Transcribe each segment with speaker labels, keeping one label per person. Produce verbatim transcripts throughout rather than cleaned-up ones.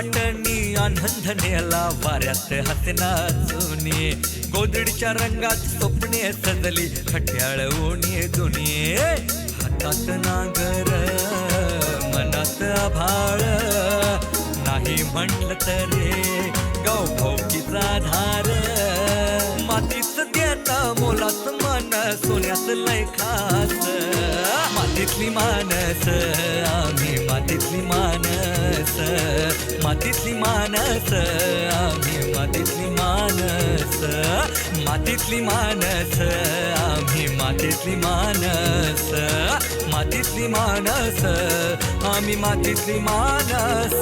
Speaker 1: वाटणी आनंद नेला वाऱ्यात हसना जुनी गोदडीच्या रंगात स्वप्ने सजली खट्याळ ओणी दुनी हातात नागर मनात आभाळ नाही म्हणलं तरी गाव भाऊकीचा धार मातीच देता मोलाच मन सोन्याच लय खास मातीतली मानस आम्ही मातीतली मानस मातीतली मानस आम्ही मातीतली मानस मातीतली मानस आम्ही मातीतली मानस मातीतली मानस आम्ही मातीतली मानस.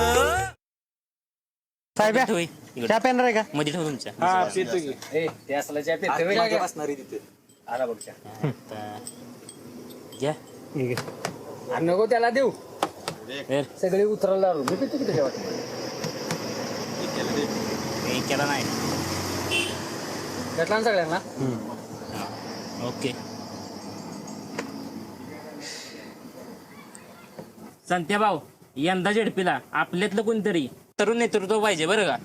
Speaker 2: साहेब चहा पेन रे का
Speaker 3: मध्ये ठेव तुमच्या
Speaker 4: हा पितो की ए ते असला चहा पितो रे मागे बसणारी तिथे आला बघ चहा
Speaker 3: घ्या
Speaker 4: आणि नको त्याला देऊ
Speaker 3: वर.
Speaker 4: सगळे उतरायला लावू मी पितो की त्याच्या वाटत
Speaker 3: हे केला नाही
Speaker 4: भेटला ना सगळ्यांना
Speaker 3: ओके संत्या भाऊ यंदा झेडपीला आपल्यातलं कोणतरी तरुण नेतृत्व पाहिजे बरं का.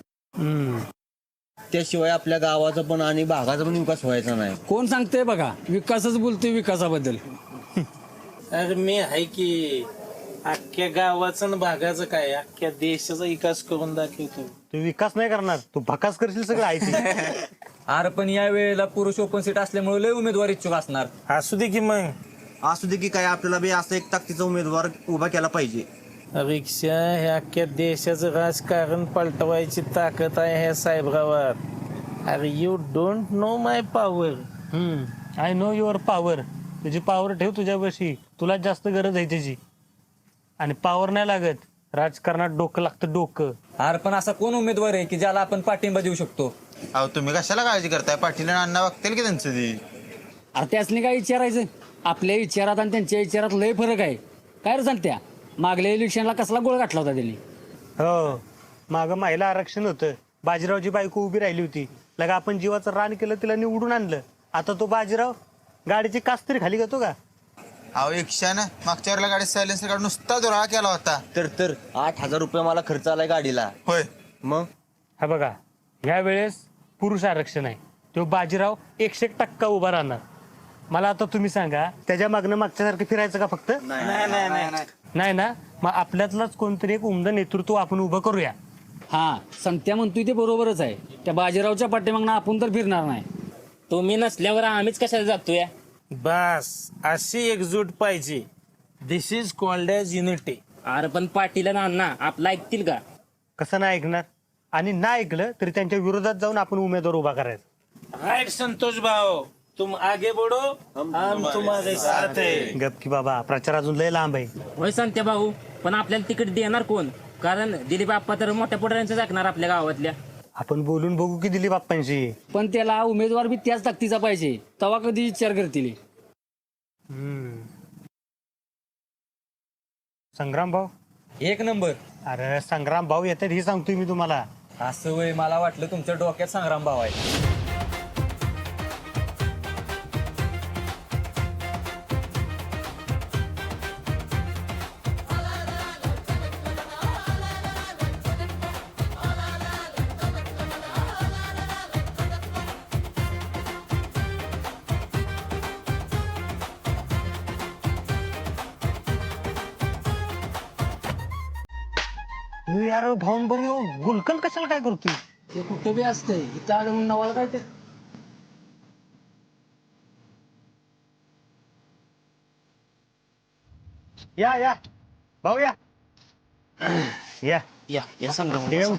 Speaker 5: त्याशिवाय आपल्या गावाचा पण आणि भागाचा पण विकास व्हायचा नाही.
Speaker 6: कोण सांगते बघा विकासच बोलतोय विकासाबद्दल.
Speaker 7: अरे मी आहे की अख्ख्या गावाचं आणि भागाचं काय अख्ख्या देशाचा विकास करून दाखवतो.
Speaker 2: तू विकास नाही करणार तू भकास करशील सगळं आहे.
Speaker 8: अरे पण या वेळेला पुरुष ओपन सीट असल्यामुळे लय उमेदवार इच्छुक असणार.
Speaker 7: असू दे की मग
Speaker 5: असू दे की काय आपल्याला बी असं एक ताकदीचा उमेदवार उभा केला पाहिजे.
Speaker 7: रिक्षा हे अख्ख्या देशाचं राजकारण पलटवायची ताकद आहे ह्या साहेबरावात. अरे you don't know my power.
Speaker 2: I know your power. तुझी पॉवर ठेव तुझ्यापाशी तुला जास्त गरज आहे त्याची आणि पॉवर नाही लागत राजकारणात डोकं लागतं डोकं.
Speaker 8: अरे पण असा कोण उमेदवार आहे की ज्याला आपण पाठिंबा देऊ शकतो.
Speaker 5: अहो तुम्ही कशाला काळजी करताय पाटील आणि अण्णा बघतील की त्यांचं ते.
Speaker 6: अरे त्यासनी काय विचारायचं आपल्या विचारात आणि त्यांच्या विचारात लय फरक आहे. काय रे सांगत्या मागल्या इलेक्शनला कसला गोळ गाठला होता त्यांनी.
Speaker 2: हो मागं महिला आरक्षण होतं बाजीरावची बायको उभी राहिली होती लगा आपण जीवाचं रान केलं तिला निवडून आणलं. आता तो बाजीराव गाडीची कास तरी खाली घेतो का.
Speaker 5: अहो एकशानं मागच्या वेळेला गाडी सायलेन्सर काढून नुसता जोराळा केला होता. तर तर आठ हजार रुपये मला खर्च आलाय गाडीला. होय मग
Speaker 2: हा बघा ह्या वेळेस पुरुष आरक्षण आहे तो बाजीराव एकशे एक टक्का उभा राहणार. मला आता तुम्ही सांगा त्याच्या मागणं मागच्यासारखं फिरायचं का फक्त. नाही ना मग आपल्यातलाच कोणतरी एक उमदं नेतृत्व आपण उभं करूया.
Speaker 6: हा संत्या म्हणतोय ते बरोबरच आहे. त्या बाजीरावच्या पाठीमागनं आपण तर फिरणार नाही.
Speaker 3: तुम्ही नसल्यावर आम्हीच कशाला जातोय.
Speaker 7: बस अशी एकजूट पाहिजे. This is called as unity.
Speaker 3: अरे पण पाटील आणि अण्णा आपलं ऐकतील का.
Speaker 2: कसं नाही ऐकणार आणि नाही ऐकलं तरी त्यांच्या विरोधात जाऊन आपण उमेदवार उभा करायचा.
Speaker 7: राईट संतोष भाऊ तुम आगे बढ़ो हम तुम्हारे साथ है.
Speaker 2: गप की बाबा प्रचार अजून लय लांब आहे.
Speaker 3: होय संत्या भाऊ पण आपल्याला तिकीट देणार कोण. कारण दिलीप आप्पा तर मोठ्या पुढाऱ्यांचं जाकणार आपल्या गावातल्या.
Speaker 2: आपण बोलून बघू की दिलीप बाप्पांशी.
Speaker 6: पण त्याला उमेदवार बी त्याच ताकदीचा पाहिजे तेव्हा कधी विचार करतील.
Speaker 2: संग्राम भाऊ
Speaker 8: एक नंबर.
Speaker 2: अरे संग्राम भाऊ येतात हे सांगतोय मी तुम्हाला.
Speaker 8: असं वय मला वाटलं तुमच्या डोक्यात संग्राम भाव आहे.
Speaker 2: यार भाऊन भाऊ गुलकंद कशाला काय करतोय.
Speaker 6: ते कुठं बी असतंय इथं आलं नवाला काय ते.
Speaker 2: या या भाऊ या या
Speaker 3: या या संग्राम
Speaker 2: देव.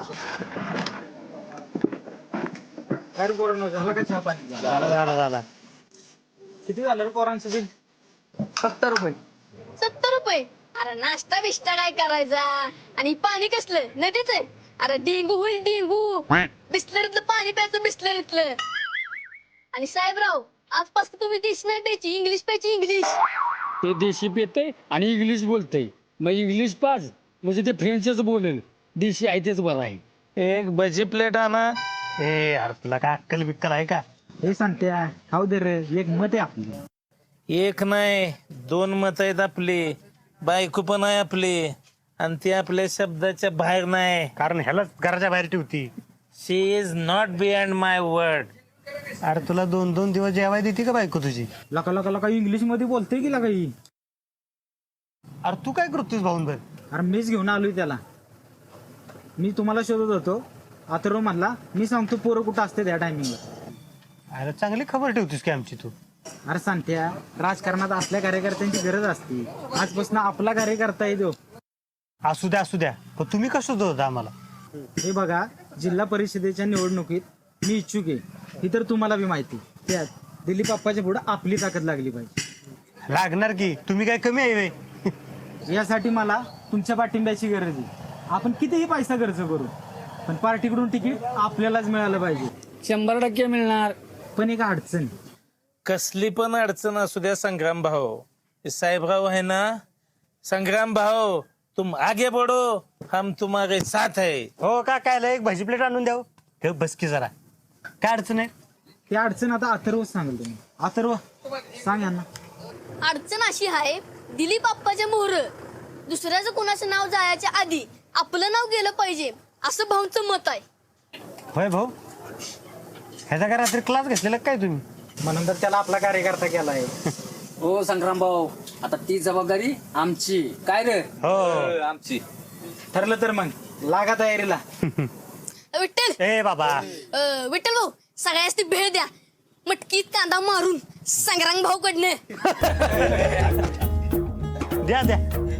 Speaker 2: झाला झाला झाला.
Speaker 4: किती झालं रे पोरांचं बिल.
Speaker 6: सत्तर रुपये.
Speaker 9: सत्तर रुपये. अरे नाश्ता बिष्टा काय करायचा आणि पाणी कसलं नदीच आहे. अरे डेंगू होईल डेंगू. बिस्लरीतलं पाणी प्यायचं बिस्लरीतलं. आणि साहेबराव आजपासून तुम्ही देशी नाही प्यायची इंग्लिश प्यायची इंग्लिश.
Speaker 6: ते देशी पेते आणि इंग्लिश बोलतय मग इंग्लिश पाच म्हणजे ते फ्रेंचच बोलेल. देशी आहे तेच बरं आहे.
Speaker 7: एक भजी प्लेट आणा.
Speaker 2: ए यार तुला काय अक्कल बिक्कल आहे का.
Speaker 6: हे सांगत्या खाऊ दे रे एक मत आहे आपली.
Speaker 7: एक नाही दोन मत आहेत आपली. बायको पण आहे आपली. आणि ती आपल्या शब्दाच्या बाहेर नाही.
Speaker 2: कारण ह्यालाच घराच्या बाहेर ठेवती.
Speaker 7: She is not beyond my word.
Speaker 2: अरे तुला दोन दोन दिवस जेवाय देते का बायको तुझी?
Speaker 8: लका लका लका इंग्लिश मध्ये बोलते की लका ही?
Speaker 2: अरे तू काय करतोस भाऊन भर?
Speaker 8: अरे मीच घेऊन आलोय त्याला. मी तुम्हाला शोधत होतो, अथर्व म्हणला मी सांगतो पोरं कुठं असते त्या टायमिंगला.
Speaker 2: अरे चांगली खबर ठेवतीस की आमची तू.
Speaker 8: अरे सांगत्या, राजकारणात असल्या कार्यकर्त्यांची गरज असते. आजपासून आपला कार्यकर्ता येतो.
Speaker 2: असू द्या असू द्या, पण तुम्ही कसं होता आम्हाला?
Speaker 8: हे बघा, जिल्हा परिषदेच्या निवडणुकीत मी इच्छुक आहे, ही तर तुम्हाला बी माहिती. त्यात दिलीप बाप्पाच्या पुढे आपली ताकद लागली पाहिजे.
Speaker 2: लागणार की, तुम्ही काय कमी आहे व्हय?
Speaker 8: यासाठी मला तुमच्या पाठिंब्याची गरज आहे. आपण कितीही पैसा खर्च करू, पण पार्टीकडून तिकीट आपल्यालाच मिळालं पाहिजे.
Speaker 6: शंभर टक्के मिळणार.
Speaker 8: पण एक अडचण.
Speaker 7: कसली पण अडचण असू द्या संग्राम भाऊ, हे साहेबराव आहे ना, संग्राम भाऊ तुम आगे बढ़ो, हम तुम्हारे साथ है.
Speaker 2: हो का, काय एक भाजी प्लेट आणून द्याव. ठेव बस की जरा. काय अडचण आहे?
Speaker 8: ती अडचण आता अथर्व सांगेल. तुम्ही अथर्व सांग यांना.
Speaker 9: अडचण अशी आहे, दिलीप बाप्पाच्या मोहर दुसऱ्याचं कोणाचं नाव जायच्या आधी आपलं नाव गेलं पाहिजे, असं भाऊंचं मत आहे.
Speaker 2: होय भाऊ, ह्याचा काय रात्री क्लास घेतलेला काय तुम्ही?
Speaker 8: म्हणून तर त्याला आपला कार्यकर्ता केलाय.
Speaker 6: हो संग्राम भाऊ, आता ती जबाबदारी आमची. काय रे?
Speaker 2: हो
Speaker 4: आमची.
Speaker 8: ठरलं तर मग लागा तयारीला.
Speaker 9: विठ्ठल
Speaker 2: ए बाबा,
Speaker 9: अं, विठ्ठल भाऊ, सगळ्याच ती भेळ द्या. मटकीत कांदा मारून संग्राम भाऊ कडनं.
Speaker 2: द्या द्या.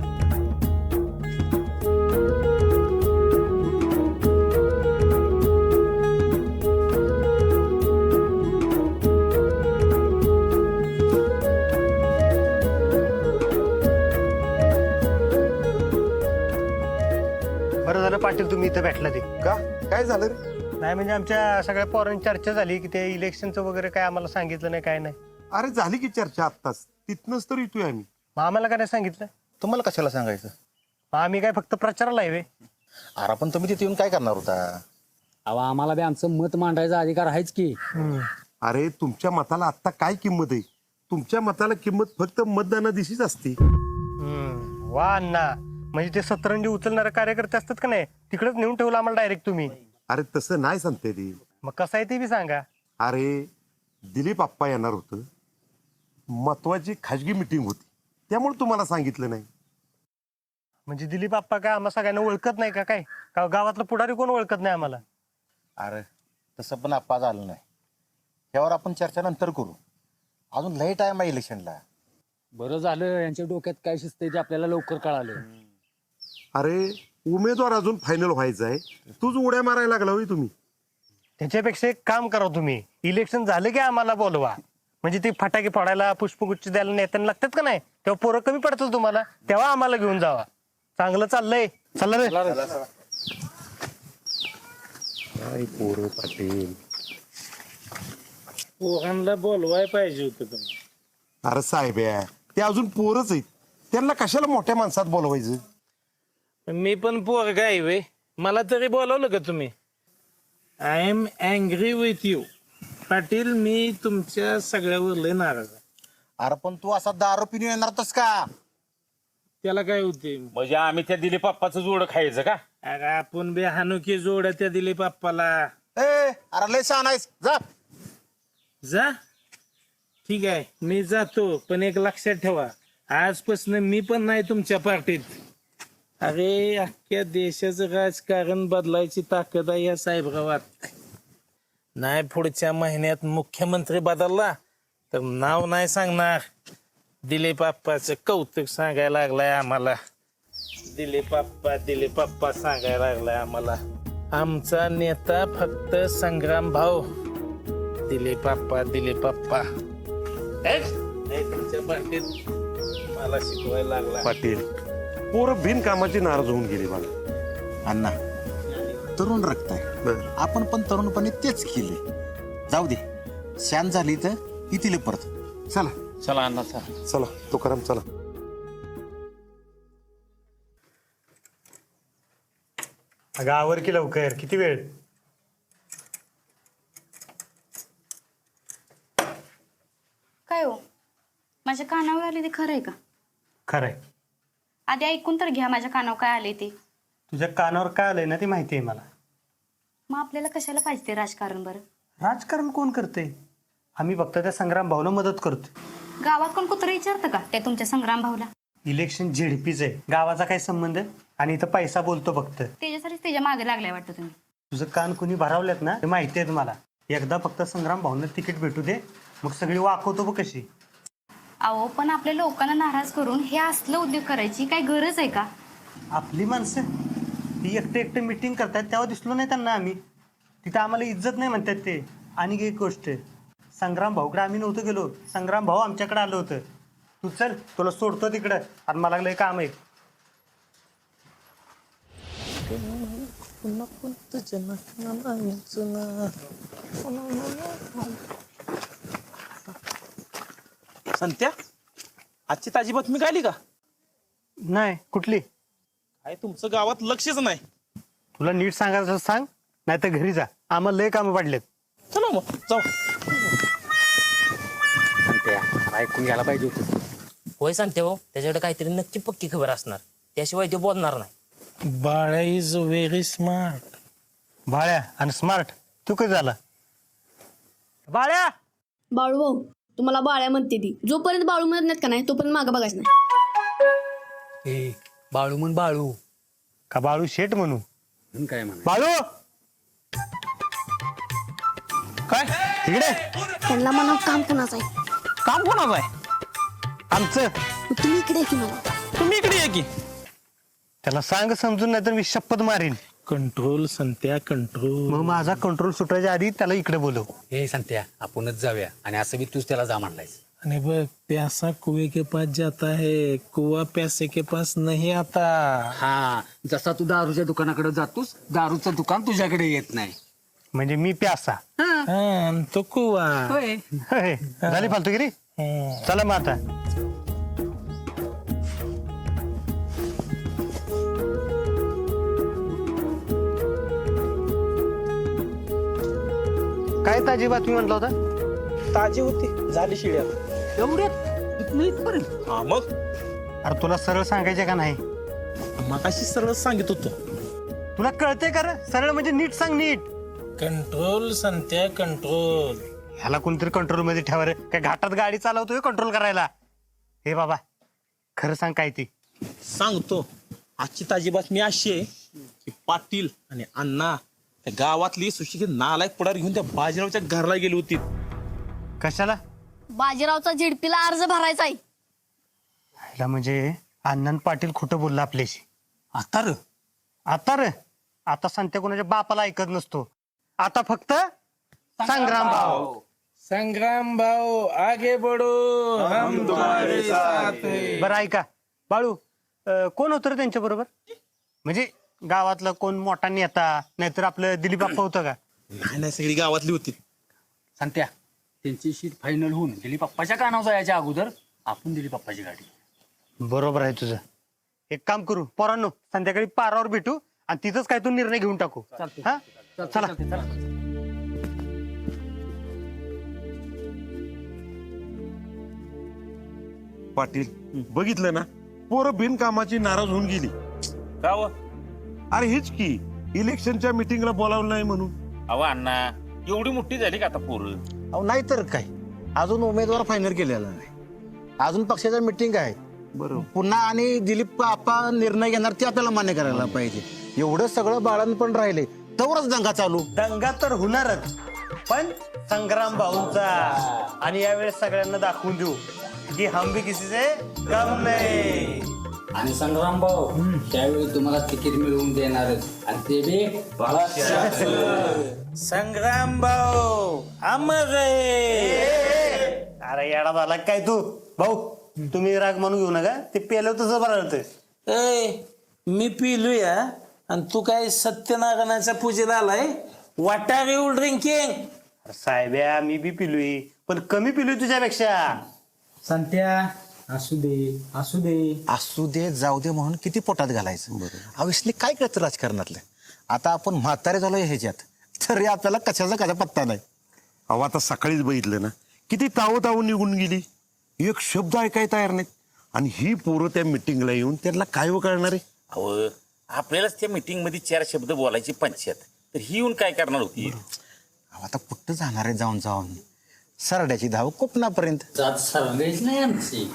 Speaker 2: बरं झालं पाटील तुम्ही इथं भेटला. ते
Speaker 5: का काय झालं रे?
Speaker 2: नाही म्हणजे आमच्या सगळ्या पोरांची चर्चा झाली की ते इलेक्शनचं वगैरे काय आम्हाला सांगितलं नाही, काय नाही.
Speaker 10: अरे झाली की चर्चा आत्ताच, तिथनच तर येतोय आम्ही.
Speaker 2: मग आम्हाला काय नाही सांगितलं?
Speaker 5: तुम्हाला कशाला सांगायचं?
Speaker 2: मग आम्ही काय फक्त प्रचाराला आहे व्हय?
Speaker 5: अरे पण तुम्ही तिथे येऊन काय करणार होता?
Speaker 6: अहो आम्हाला बी आमचं मत मांडायचा अधिकार आहेच की.
Speaker 10: अरे तुमच्या मताला आता काय किंमत आहे? तुमच्या मताला किंमत फक्त मतदानादिवशीच असते.
Speaker 2: हम्म, वा अण्णा, म्हणजे ते सतरंजी उचलणारे कार्यकर्ते असतात का नाही, तिकडेच नेऊन ठेवलं आम्हाला डायरेक्ट तुम्ही.
Speaker 10: अरे तसं नाही सांगते ती.
Speaker 2: मग कसं आहे ते बी सांगा.
Speaker 10: अरे दिलीप आप्पा येणार होतं, महत्वाची खाजगी मिटिंग होती, त्यामुळे तुम्हाला सांगितलं नाही.
Speaker 2: म्हणजे दिलीप आप्पा काय आम्हा सगळ्यांना ओळखत नाही का काय? का गावातलं पुढारी कोण ओळखत नाही आम्हाला?
Speaker 5: अरे तसं पण आप्पा झालं नाही. यावर आपण चर्चा नंतर करू, अजून लय टाइम आहे इलेक्शनला.
Speaker 6: बरं झालं यांच्या डोक्यात काय शिस्त आहे ते आपल्याला लवकर कळालं.
Speaker 10: अरे उमेदवार अजून फायनल व्हायचा आहे, तूच उड्या मारायला लागला होई तुम्ही.
Speaker 2: त्याच्यापेक्षा एक काम करा तुम्ही, इलेक्शन झालं की आम्हाला बोलवा. म्हणजे ते फटाके फोडायला, पुष्पगुच्छ द्यायला नेत्यांना लागतात का नाही, तेव्हा पोरं कमी पडतील तुम्हाला, तेव्हा आम्हाला घेऊन जावा. चांगलं चाललंय, चला रे.
Speaker 10: काय पोरं पाटील.
Speaker 7: पोरांना बोलवाय पाहिजे होतं तुम्ही.
Speaker 10: अरे साहेब आहे, ते अजून पोरच आहेत, त्यांना कशाला मोठ्या माणसात बोलवायचं?
Speaker 7: मी पण पोरगा आहे वे, मला तरी बोलवलं का तुम्ही? I am angry with you Patil, मी तुमच्या सगळ्यावर लय नाराज आहे.
Speaker 5: अरे पण तू असा दारू पिऊन येणार होतास का?
Speaker 7: त्याला काय होते?
Speaker 11: म्हणजे आम्ही त्या दिलीप बाप्पाचं जोड खायचं का?
Speaker 7: अरे आपण बे हानुकी जोड त्या दिलीप बाप्पाला.
Speaker 5: ए अरे लय छान आहेस, जा
Speaker 7: जा. ठीक आहे मी जातो, पण एक लक्षात ठेवा, आजपासून मी पण नाही तुमच्या पार्टीत. अरे अख्ख्या देशाचं राजकारण बदलायची ताकद आहे या साहेबगावात. नाही पुढच्या महिन्यात मुख्यमंत्री बदलला तर नाव नाही सांगणार, दिलीप आप्पाचं कौतुक सांगायला लागलाय आम्हाला. दिलीप आप्पा दिलीप आप्पा सांगायला लागलाय आम्हाला. आमचा नेता फक्त संग्राम भाऊ. दिलीप आप्पा दिलीप आप्पा तुमच्या पार्टीत मला शिकवायला लागला.
Speaker 10: पाटील पोरं बिनकामाची नाराज होऊन गेली बघा.
Speaker 5: अण्णा तरुण रक्त आहे, आपण पण तरुणपणे तेच केले. जाऊ दे, शांत झाली तर येतील परत.
Speaker 10: चला
Speaker 11: चला अण्णा चला.
Speaker 10: चला तुकाराम चला.
Speaker 2: अगं आवर की लवकर, किती वेळ?
Speaker 12: काय हो, माझ्या कानावर आली ते खरं आहे का?
Speaker 2: खरंय,
Speaker 9: आधी ऐकून तर घ्या माझ्या कानावर काय आले ते.
Speaker 2: तुझ्या कानावर काय आलंय ना ते माहिती आहे मला.
Speaker 9: मग आपल्याला कशाला पाहिजे ते राजकारण बरं?
Speaker 2: राजकारण कोण करते? आम्ही फक्त त्या संग्राम भाऊला मदत करतो.
Speaker 9: गावात कोण कुत्र विचारतं का त्या तुमच्या संग्राम भाऊला?
Speaker 2: इलेक्शन झेडपीच आहे, गावाचा काय संबंध? आणि इथं पैसा बोलतो फक्त.
Speaker 9: त्याच्यासाठीच त्याच्या मागे लागलाय वाटतं तुम्ही.
Speaker 2: तुझं कान कुणी भरावल्यात ना ते माहिती आहे मला. एकदा फक्त संग्राम भाऊनं तिकीट भेटू दे, मग सगळी वाकवतो बघ कशी.
Speaker 9: अहो पण आपल्या लोकांना नाराज करून हे असलं उद्योग करायची काय गरज आहे का?
Speaker 2: आपली माणसं ती एकटे एकटे मिटिंग करतात तेव्हा दिसलो नाही त्यांना आम्ही. तिथं आम्हाला इज्जत नाही म्हणतात ते. आणि एक गोष्ट, संग्राम भाऊकडे आम्ही नव्हतो गेलो, संग्राम भाऊ आमच्याकडे आलं होतं. तू चल, तुला सोडतो तिकडं, आणि मला लय काम आहे.
Speaker 7: संत्या, आजची ताजी बातमी कळली का?
Speaker 2: नाही, कुठली?
Speaker 7: काय तुमचं गावात लक्षच नाही.
Speaker 2: तुला नीट सांगायचं सांग, नाही तर घरी जा, आम्हाला लय कामं पडलेत.
Speaker 7: चला मग जाऊ.
Speaker 3: ऐकून घ्यायला पाहिजे होतं. होय सांगते हो, त्याच्याकडे काहीतरी नक्की पक्की खबर असणार, त्याशिवाय ते बोलणार नाही.
Speaker 7: बाळा इज व्हेरी स्मार्ट.
Speaker 2: बाळ्या आणि स्मार्ट तू कधी झाला? बाळ्या,
Speaker 9: बाळू भाऊ तुम्हाला बाळ्या म्हणते ती. जोपर्यंत बाळू म्हणत नाहीत का नाही तोपर्यंत मागं बघायचं नाही.
Speaker 6: ए बाळू म्हण बाळू.
Speaker 2: का बाळू शेठ म्हणू?
Speaker 6: काय म्हणा
Speaker 2: बाळू काय तिकडे?
Speaker 9: त्यांना म्हणा काम कोणाचं आहे?
Speaker 7: काम कोणाचं आहे?
Speaker 2: आमचं.
Speaker 9: तुम्ही इकडे की मला.
Speaker 7: तुम्ही इकडे ये की.
Speaker 2: त्याला सांग समजून, नाही तर मी शपथ मारीन.
Speaker 7: Control Santya control.
Speaker 2: मग माझा कंट्रोल सुटायच्या आधी त्याला इकडे बोलव.
Speaker 6: हे सांगत्या आपणच जाऊया आणि असं बी तूच त्याला जा म्हणलायस.
Speaker 7: आणि बघ, प्यासा कुएं के पास जाता है, कुआ प्यासे के पास नहीं आता.
Speaker 6: हा, जसा तू दारूच्या दुकानाकडे जातोस, दारूचं दुकान तुझ्याकडे येत नाही.
Speaker 2: म्हणजे मी प्यासा.
Speaker 7: हा, आणि तो कुआ.
Speaker 6: होय.
Speaker 2: होय. झाली फालतूगिरी.
Speaker 7: हम्म.
Speaker 2: चला मग आता. काय ताजी बातमी म्हटलं होता?
Speaker 7: ताजी होती, झाली शिळ्या.
Speaker 6: एवढ्यात इथनं इथपर्यंत?
Speaker 7: हा मग
Speaker 2: अरे तुला सरळ सांगायचे का नाही?
Speaker 7: मगाशी सरळ सांगित होतो.
Speaker 2: तुला कळते का रे? सरळ म्हणजे नीट सांग, नीट.
Speaker 7: Control Santya control.
Speaker 2: ह्याला कोणतरी कंट्रोल मध्ये ठेवा रे. काय घाटात गाडी चालवतोय कंट्रोल करायला? हे बाबा खरं सांग काय ती.
Speaker 7: सांगतो. आजची ताजी बातमी अशी आहे की पाटील आणि अण्णा त्या गावातली सुशिक्षित नालायक पुढार घेऊन त्या बाजीरावच्या घरला गेली होती.
Speaker 2: कशाला?
Speaker 9: बाजीरावचा झेडपीला अर्ज भरायचा आहे.
Speaker 2: ह्याला म्हणजे अण्णान पाटील खोटं बोलला आपल्याशी.
Speaker 6: आता र
Speaker 2: आता रे आता सांगते कोणाच्या बापाला ऐकत नसतो. आता फक्त संग्राम भाऊ.
Speaker 7: संग्राम भाऊ आगे बढो, हम तुम्हारे साथ हैं.
Speaker 2: बरं ऐका बाळू, अं, कोण होतं रे त्यांच्या बरोबर? म्हणजे गावातलं कोण मोठा नेता, नाहीतर आपलं दिलीप बाप्पा होतं का?
Speaker 7: नाही नाही, सगळी गावातली होती.
Speaker 6: सांगत्या त्यांची शीट फायनल होऊन दिलीप पप्पाच्या कानावर जायच्या अगोदर आपण दिलीप पप्पाची गाडी.
Speaker 2: बरोबर आहे तुझं. एक काम करू पोरांनो, संध्याकाळी पारावर भेटू आणि तिथंच काय तू निर्णय घेऊन टाकू. हा चला.
Speaker 10: पाटील बघितलं ना, पोरं बिनकामाची नाराज होऊन गेली.
Speaker 11: का व?
Speaker 10: अरे हेच की, इलेक्शनच्या मिटिंगला बोलावलं नाही म्हणून.
Speaker 11: अहो अण्णा, एवढी मोठी झाली का आता पोरं?
Speaker 5: अहो नाही तर काय, अजून उमेदवार फायनल केलेला नाही. अजून पक्षाच्या मिटिंग आहे.
Speaker 10: बरोबर.
Speaker 5: पुन्हा आणि दिलीप आप्पा निर्णय घेणार ते आपल्याला मान्य करायला पाहिजे. एवढं सगळं बाळान पण राहिले तवरच दंगा चालू.
Speaker 2: दंगा तर होणारच, पण संग्राम भाऊंचा. आणि यावेळेस सगळ्यांना दाखवून देऊ की हम भी किसी से कम नाही.
Speaker 6: आणि संग्राम भाऊ त्यावेळी तुम्हाला तिकीट मिळवून देणारच, आणि ते बी
Speaker 7: संग्राम भाऊ अमर रे.
Speaker 2: अरे येडा झाला काय तू भाऊ? तुम्ही राग म्हणून घेऊ नका, ते पेलं तसं बरं.
Speaker 7: ए मी पिलूया आणि तू काय सत्यनारायणाच्या पूजेला आलाय? What are you drinking?
Speaker 2: साहेब्या मी बी पिलोय, पण कमी पिलोय तुझ्यापेक्षा.
Speaker 8: संत्या असू दे असू दे
Speaker 5: असू दे जाऊ दे म्हणून किती पोटात घालायचं. अविसली काय कळतं राजकारणातलं? आता आपण म्हातारे झालो ह्याच्यात, तरी आपल्याला कशाचा कशा पत्ता नाही.
Speaker 10: अहो आता सकाळीच बघितलं ना, किती तावं तावं निघून गेली. एक शब्द ऐकाय तयार नाहीत. आणि ही पोरं त्या मिटिंगला येऊन त्यांना काय व कळणार आहे?
Speaker 11: अहो आपल्यालाच त्या मीटिंग मध्ये चार शब्द बोलायची पंचायत, तर ही येऊन काय करणार होती?
Speaker 5: अहो, आता कुठं जाणार आहे जाऊन जाऊन सरड्याची धाव कोकणापर्यंत.
Speaker 6: जात सरलेच नाही आमची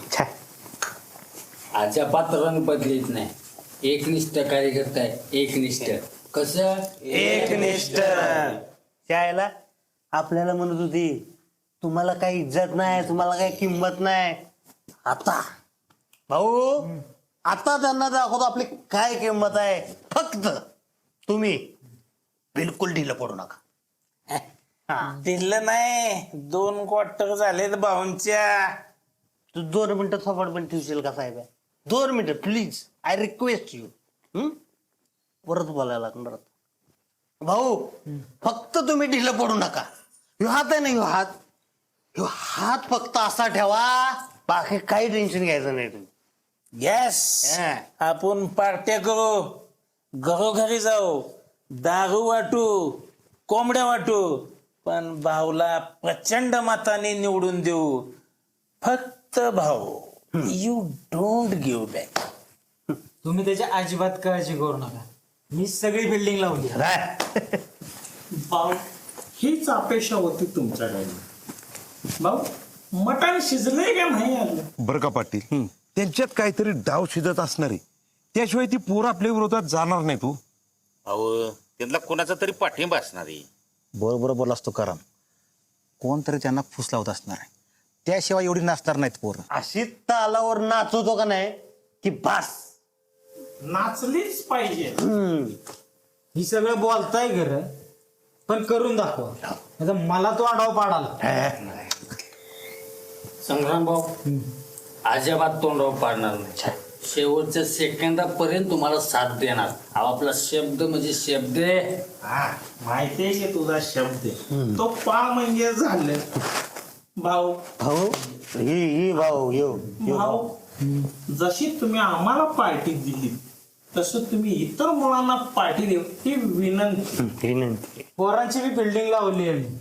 Speaker 6: अजाबात रंग बदलीत नाही. एकनिष्ठ कार्यकर्ता आहे, एकनिष्ठ. कसं
Speaker 2: एकनिष्ठ. त्याला आपल्याला म्हणत होती तुम्हाला काही इज्जत नाही, तुम्हाला काही किंमत नाही. आता भाऊ आता त्यांना दाखवतो आपली काय किंमत आहे. फक्त तुम्ही बिलकुल ढिलं पडू नका.
Speaker 7: दिलं नाही, दोन क्वार्टर झालेत भाऊंच्या.
Speaker 2: तू दोन मिनिटं थोपड पण ठेवशील का साहेब? दोन मिनिटं प्लीज, आय रिक्वेस्ट यू. परत बोलायला लागणार आता. भाऊ फक्त तुम्ही ढिलं पडू नका. ह्यो हात आहे ना, ह्यो हात ह्यो हात फक्त असा ठेवा, बाकी काही टेन्शन घ्यायचं नाही तुम्ही.
Speaker 7: येस,
Speaker 2: हा.
Speaker 7: आपण पार्ट्या करू, घरोघरी जाऊ, दारू वाटू, कोंबड्या वाटू, पण भाऊला प्रचंड मताने निवडून देऊ. फक्त भाऊ, यू डोंट गिव्ह बॅक.
Speaker 8: तुम्ही त्याची अजिबात काळजी करू नका. मी सगळी बिल्डिंग लावली.
Speaker 7: भाऊ हीच अपेक्षा होती तुमच्याकडे. भाऊ मटण शिजले का नाही आलं?
Speaker 10: बरं का पाटील, त्यांच्यात काहीतरी डाव शिजत असणार आहे, त्याशिवाय ती पोरं आपल्या विरोधात जाणार नाही. तू
Speaker 11: अहो त्यांना कोणाचा तरी पाठिंबा असणार आहे.
Speaker 5: बरोबर बोलास तो कारण कोणतरी त्यांना फुस लावत असणार आहे, त्याशिवाय एवढी नाचणार नाहीत पोरं.
Speaker 2: अशी तालावर नाचवतो का नाही की बास.
Speaker 7: नाचलीच पाहिजे.
Speaker 8: ही सगळं बोलताय खरं, पण करून दाखवा. नाहीतर मला तो आढावा पाडाला.
Speaker 6: संग्राम भाऊ अजिबात तोंडावर पाडणार नाही. शेवटच्या सेकंदापर्यंत तुम्हाला साथ देणार. हा आपला शब्द म्हणजे शब्द आहे.
Speaker 7: हा माहितीये की तुझा शब्द आहे. तो पा म्हणजे झालं. भाऊ
Speaker 2: भाऊ ही ही भाऊ येऊ
Speaker 7: भाऊ जशी तुम्ही आम्हाला पार्टी दिली तसं तुम्ही इतर मुलांना पार्टी देऊ ही विनंती.
Speaker 2: विनंती.
Speaker 8: पोरांची बी बिल्डिंग लावली आहे.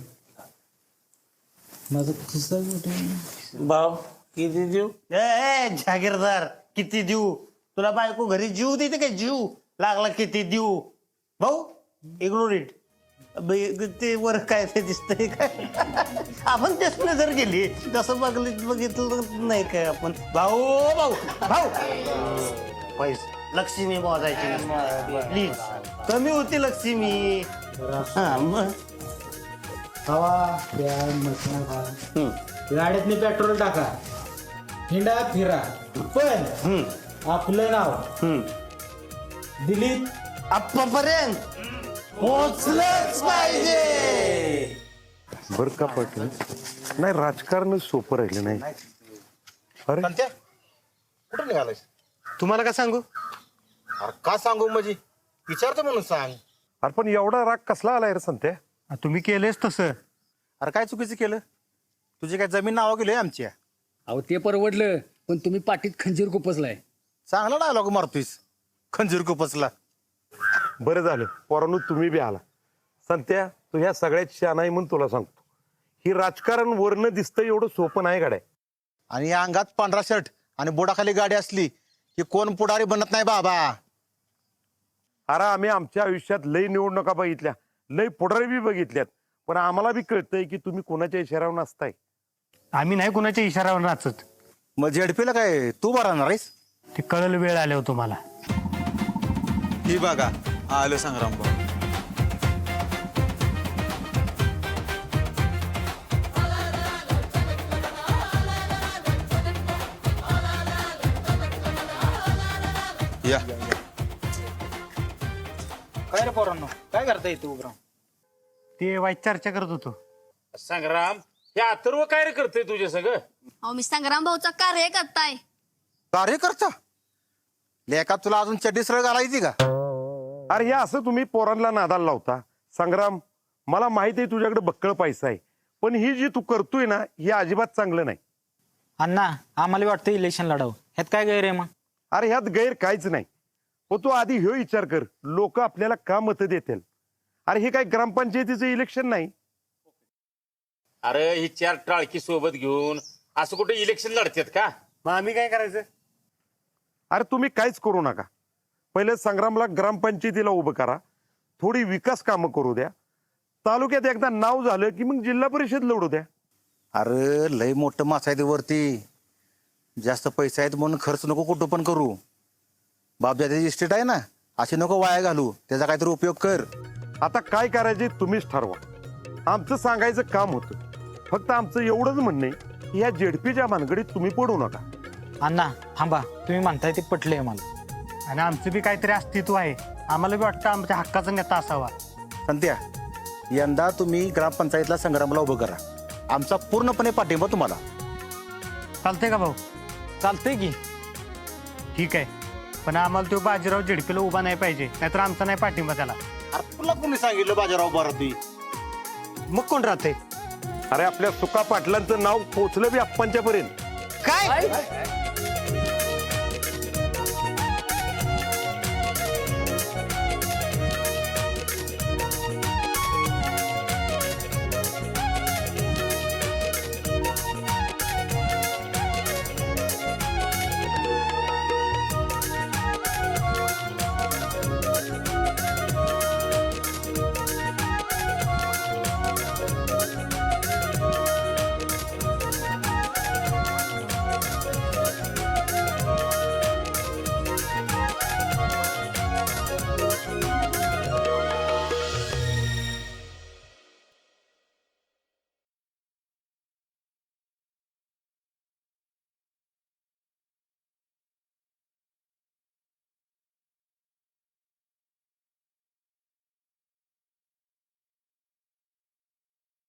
Speaker 8: माझं खिसा
Speaker 7: भाऊ किती देऊ?
Speaker 2: ए जागीरदार किती देऊ? तुला बायको घरी जीव देते काय? जीव लागला किती देऊ? भाऊ इग्नोर इट. ते वर काय ते दिसतंय काय? आपण तेच नजर गेली तसं बघलं बघितलं नाही काय आपण. भाऊ भाऊ भाऊ पैसे लक्ष्मी मोजायची प्लीज. कमी होती लक्ष्मी. हा मग
Speaker 8: हवा द्या, मटण खा. गाड्यातनी पेट्रोल टाका, हिंडा फिरा, पण आपलं नाव दिलीप
Speaker 2: आप्पापर्यंत पोचलंच पाहिजे.
Speaker 10: बरं का पाटील, नाही राजकारण सोपं राहिलं नाही. अरे
Speaker 5: कुठं निघालायस?
Speaker 2: तुम्हाला का सांगू?
Speaker 5: अरे का सांगू म्हणजे विचारतो म्हणून सांग.
Speaker 10: अरे पण एवढा राग कसला आलाय रे संत्या?
Speaker 2: तुम्ही केलेच तसं.
Speaker 5: अरे काय चुकीचं केलं? तुझी काय जमीन नावा गेली आमच्या?
Speaker 6: अहो ते परवडलं, पण तुम्ही पाठीत खंजीर खुपसलाय.
Speaker 5: चांगला डायलॉग मारतोयस, खंजीर कुपसला.
Speaker 10: बरं झालं पोरांनो तुम्ही बी आला. संत्या तू ह्या सगळ्यात शहाणा आहे म्हणून तुला सांगतो, ही राजकारण वरनं दिसतं एवढं सोपं नाही गाड्या.
Speaker 5: आणि या अंगात पांढरा शर्ट आणि बोडाखाली गाडी असली की कोण पुढारी बनत नाही बाबा.
Speaker 10: अरे आम्ही आमच्या आयुष्यात लई निवडणुका बघितल्या, लई पुढारी बी बघितल्यात, पण आम्हाला बी कळतंय की तुम्ही कोणाच्या इशाऱ्यावर नसताय.
Speaker 2: आम्ही नाही कुणाच्या इशाऱ्यावर नाचत.
Speaker 5: मग झेडपीला काय तू बरा राहणार आहेस?
Speaker 2: ते कळल वेळ आल्यावर तुम्हाला.
Speaker 12: ही बघा आलं संग्राम भाऊ. या
Speaker 8: काय रे पोरांनो, काय करता येते उभं राहून?
Speaker 2: ते वाईट चर्चा करत होतो.
Speaker 11: संग्राम हे अथर्व काय रे करतोय तुझ्या सगळं?
Speaker 9: अहो मी संग्राम भाऊचा कार्य करताय.
Speaker 5: कार्यकर्ता लेका तुला अजून चड्डी सरळ घालायची का?
Speaker 10: अरे हे असं तुम्ही पोरांना नादाला लावता. संग्राम मला माहिती आहे तुझ्याकडे बक्कळ पैसा आहे, पण ही जी तू करतोय ना हे अजिबात चांगलं नाही.
Speaker 8: अण्णा आम्हाला वाटतं इलेक्शन लढावं, ह्यात काय गैर आहे मग?
Speaker 10: अरे ह्यात गैर काहीच नाही, पण तू आधी ह्यो विचार कर, लोक आपल्याला का मतं देतील? अरे हे काय ग्रामपंचायतीचं इलेक्शन नाही.
Speaker 11: अरे ही चार टाळकी सोबत घेऊन असं कुठे इलेक्शन लढतात का?
Speaker 2: मग आम्ही काय करायचं?
Speaker 10: अरे तुम्ही काहीच करू नका. पहिले संग्रामला ग्रामपंचायतीला उभं करा, थोडी विकास कामं करू द्या. तालुक्यात एकदा नाव झालं की मग जिल्हा परिषद लढू द्या.
Speaker 5: अरे लय मोठं मासा आहे ते वरती, जास्त पैसे आहेत म्हणून खर्च नको कुठं पण करू. बापजाची इस्टेट आहे ना, अशी नको वाया घालू, त्याचा काहीतरी उपयोग कर.
Speaker 10: आता काय करायचे तुम्हीच ठरवा. आमचं सांगायचं काम होतं. फक्त आमचं एवढंच म्हणणं आहे की ह्या जेडपीच्या भानगडीत तुम्ही पडू नका.
Speaker 8: अण्णा थांबा, तुम्ही म्हणताय ते पटलंय मला.
Speaker 2: आणि आमचं बी काहीतरी अस्तित्व आहे. आम्हाला बी वाटतं आमच्या हक्काचा नेता असावा.
Speaker 5: संत्या, यंदा तुम्ही ग्रामपंचायतला संग्रामला उभं करा. आमचा पूर्णपणे पाठिंबा तुम्हाला.
Speaker 2: चालतंय का भाऊ?
Speaker 8: चालतंय की.
Speaker 2: ठीक आहे, पण आम्हाला तो बाजीराव झेडपीला उभा नाही पाहिजे, नाहीतर आमचा नाही पाठिंबा त्याला.
Speaker 5: अरे तुला कोणी सांगितलं बाजाराव बाराती?
Speaker 2: मग कोण राहते?
Speaker 10: अरे आपल्या सुका पाटलांचं नाव पोचलं बी अप्पांच्या पर्यंत.
Speaker 2: काय